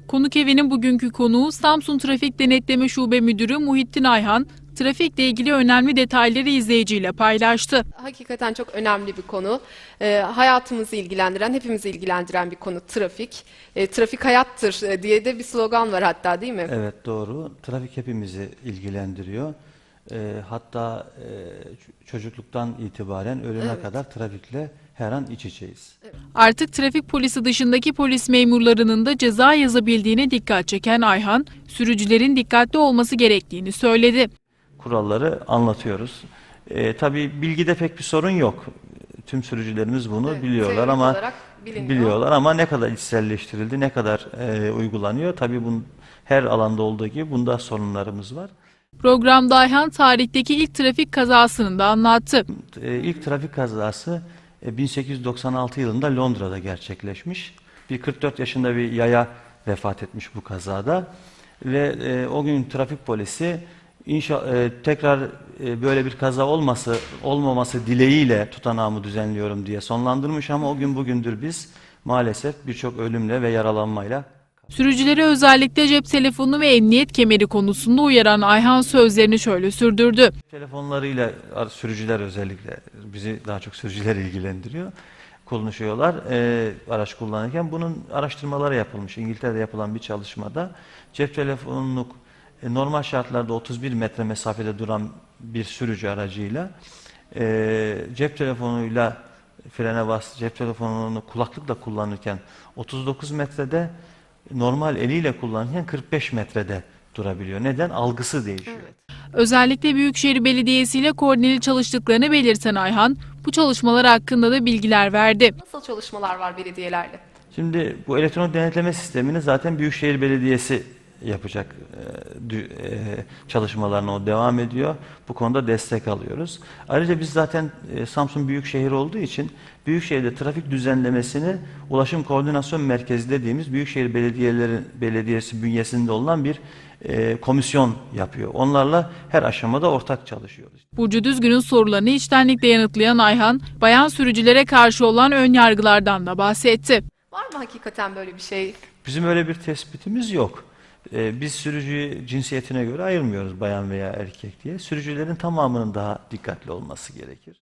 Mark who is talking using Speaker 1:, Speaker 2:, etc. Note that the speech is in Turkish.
Speaker 1: Konuk evinin bugünkü konuğu Samsun Trafik Denetleme Şube Müdürü Muhittin Ayhan, trafikle ilgili önemli detayları izleyiciyle paylaştı.
Speaker 2: Hakikaten çok önemli bir konu. Hayatımızı ilgilendiren, hepimizi ilgilendiren bir konu trafik. Trafik hayattır diye de bir slogan var hatta, değil mi?
Speaker 3: Evet, doğru. Trafik hepimizi ilgilendiriyor. Hatta çocukluktan itibaren ölüme kadar trafikle her an iç içeyiz.
Speaker 1: Artık trafik polisi dışındaki polis memurlarının da ceza yazabildiğine dikkat çeken Ayhan, sürücülerin dikkatli olması gerektiğini söyledi.
Speaker 3: Kuralları anlatıyoruz. Tabii bilgide pek bir sorun yok. Tüm sürücülerimiz bunu
Speaker 2: Evet,
Speaker 3: biliyorlar
Speaker 2: teorik
Speaker 3: ama
Speaker 2: olarak biliniyor.
Speaker 3: ama ne kadar içselleştirildi, ne kadar uygulanıyor? Tabii bunun her alanda olduğu gibi bunda sorunlarımız var.
Speaker 1: Programda Ayhan tarihteki ilk trafik kazasını da anlattı.
Speaker 3: İlk trafik kazası 1896 yılında Londra'da gerçekleşmiş. Bir 44 yaşında bir yaya vefat etmiş bu kazada. Ve o gün trafik polisi tekrar böyle bir kaza olmaması dileğiyle tutanağımı düzenliyorum diye sonlandırmış ama o gün bugündür biz maalesef birçok ölümle ve yaralanmayla.
Speaker 1: Sürücülere özellikle cep telefonu ve emniyet kemeri konusunda uyaran Ayhan sözlerini şöyle sürdürdü.
Speaker 3: Telefonlarıyla sürücüler, özellikle bizi daha çok sürücüler ilgilendiriyor, konuşuyorlar araç kullanırken. Bunun araştırmaları yapılmış. İngiltere'de yapılan bir çalışmada cep telefonunu normal şartlarda 31 metre mesafede duran bir sürücü aracıyla cep telefonuyla frene cep telefonunu kulaklıkla kullanırken 39 metrede, normal eliyle kullanırken 45 metrede durabiliyor. Neden? Algısı değişiyor.
Speaker 2: Evet.
Speaker 1: Özellikle Büyükşehir Belediyesi ile koordineli çalıştıklarını belirten Ayhan, bu çalışmalar hakkında da bilgiler verdi.
Speaker 2: Nasıl çalışmalar var belediyelerle?
Speaker 3: Şimdi bu elektronik denetleme sistemini zaten Büyükşehir Belediyesi yapacak, çalışmalarına o devam ediyor. Bu konuda destek alıyoruz. Ayrıca biz zaten Samsun Büyükşehir olduğu için Büyükşehir'de trafik düzenlemesini Ulaşım Koordinasyon Merkezi dediğimiz Büyükşehir Belediyesi bünyesinde olan bir komisyon yapıyor. Onlarla her aşamada ortak çalışıyoruz.
Speaker 1: Burcu Düzgün'ün sorularını içtenlikle yanıtlayan Ayhan, bayan sürücülere karşı olan ön yargılardan da bahsetti.
Speaker 2: Var mı hakikaten böyle bir şey?
Speaker 3: Bizim öyle bir tespitimiz yok. Biz sürücüyü cinsiyetine göre ayırmıyoruz, bayan veya erkek diye. Sürücülerin tamamının daha dikkatli olması gerekir.